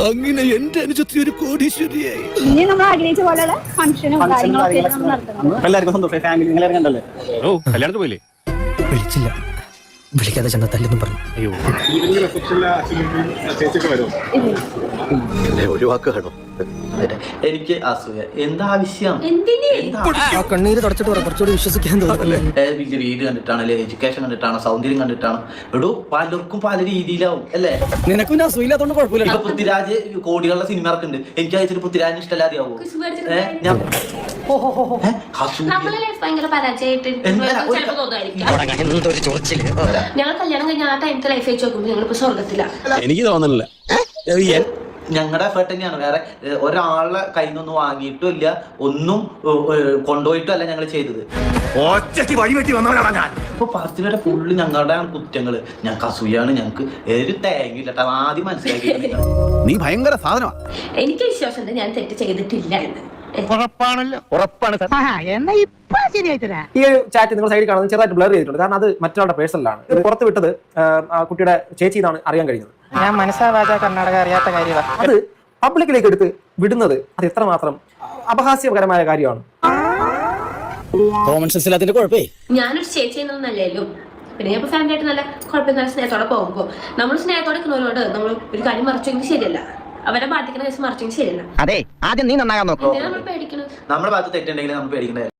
അങ്ങനെ എന്റെ അനുജത്തി ഒരു കോടീശ്വരിയായി. ഇനി നമ്മൾ ആഗ്രഹിച്ച പോലെയുള്ള ഫംഗ്ഷനും കാര്യങ്ങളൊക്കെ നടത്തണം. എല്ലാവർക്കും സന്തോഷം. ഫാമിലി നിങ്ങൾ ഇറങ്ങണ്ടല്ലേ? ഓ കല്യാണത്തിന് പോയില്ലേ? വിളിച്ചില്ല, വിളിക്കാതെ ചെന്ന തല്ലെന്നും പറഞ്ഞു. അയ്യോ എന്നെ ഒഴിവാക്കുകയാണോ? എനിക്ക് അസൂയ എന്താവശ്യം? ആ കണ്ണീര് തുടച്ചിട്ട് കുറച്ചുകൂടി വിശ്വസിക്കാൻ തോന്നുന്നല്ലേ? വലിയ വീട് കണ്ടിട്ടാണ്, എഡ്യൂക്കേഷൻ കണ്ടിട്ടാണ്, സൗന്ദര്യം കണ്ടിട്ടാണ്. എടോ പലർക്കും പല രീതിയിലാവും അല്ലേ? നിനക്കും ഞാൻ അസൂയില്ലാത്തോണ്ട് കുഴപ്പമില്ല. ഇപ്പൊ പൃഥ്വിരാജ് കോടികളുടെ സിനിമ ഇറക്കുന്നുണ്ട്. എനിക്ക് അയച്ചിട്ട് പൃഥ്വിരാജിന് ഇഷ്ടമല്ലാതെ ആവോ? ഞാൻ ഞങ്ങൾ കല്യാണം കഴിഞ്ഞ ആ ടൈമത്തെ ലൈഫ് വെച്ച് നോക്കുമ്പോൾ ഞങ്ങളിപ്പോ സ്വർഗത്തില. എനിക്ക് തോന്നുന്നില്ല. ഞങ്ങളുടെ എഫേർട്ട് തന്നെയാണ്. വേറെ ഒരാളെ കയ്യിൽ നിന്നൊന്നും വാങ്ങിയിട്ടും ഇല്ല, ഒന്നും കൊണ്ടുപോയിട്ടും അല്ല ഞങ്ങൾ ചെയ്തത്. ഇപ്പൊ പാർട്ടിയുടെ ഫുള്ള് ഞങ്ങളുടെ കുറ്റങ്ങള്. ഞങ്ങൾക്ക് അസൂയാണ്, ഞങ്ങൾക്ക് ഒരു തേങ്ങില്ല. ആദ്യം മനസ്സിലാക്കി നീ ഭയങ്കര സാധനമാണ്. എനിക്ക് വിശ്വാസമുണ്ട് ഞാൻ തെറ്റ് ചെയ്തിട്ടില്ല എന്ന്. ഉറപ്പാണ്. ഈ ചാറ്റ് നിങ്ങൾ സൈഡിൽ കാണുന്നത് ചെറുതായിട്ട് ബ്ലർ ചെയ്തിട്ടുണ്ട്. കാരണം അത് മറ്റൊരാളുടെ പേഴ്സണലാണ്. ഇത് പുറത്ത് വിട്ടത് കുട്ടിയുടെ ചേച്ചി എന്നാണ് അറിയാൻ കഴിഞ്ഞത്. ഞാൻ മനസ്സാവാതെ കർണാടക അറിയാത്ത കാര്യമാണ്. അത് പബ്ലിക്കിലേക്ക് എടുത്ത് വിടുന്നത് അത് എത്രമാത്രം അപഹാസ്യകരമായ കാര്യമാണ്. കോമൺ സെൻസ് ഇല്ലാത്തതിന്റെ കുഴപ്പേ. ഞാനൊരു ചേച്ചി എന്നൊന്നല്ലല്ലോ. പിന്നെ ഞാൻ ഫാമിലി ആയിട്ട് നല്ല കുഴപ്പമില്ല സ്നേഹത്തോടെ പോകുമ്പോൾ നമ്മൾ സ്നേഹത്തോടെ നിൽക്കുന്നവരോട് നമ്മൾ ഒരു കാര്യം മറിച്ചെങ്കിൽ ശരിയല്ല. അവരെ ബാധിക്കുന്ന കേസ് മറിച്ചെങ്കിൽ ശരിയല്ല. അതെ, ആദ്യം നീ നന്നാകാൻ നോക്കൂ. നമ്മൾ പേടിക്കണം. നമ്മുടെ ഭാഗത്ത് തെറ്റുണ്ടെങ്കിൽ നമ്മൾ പേടിക്കണ്ടേ?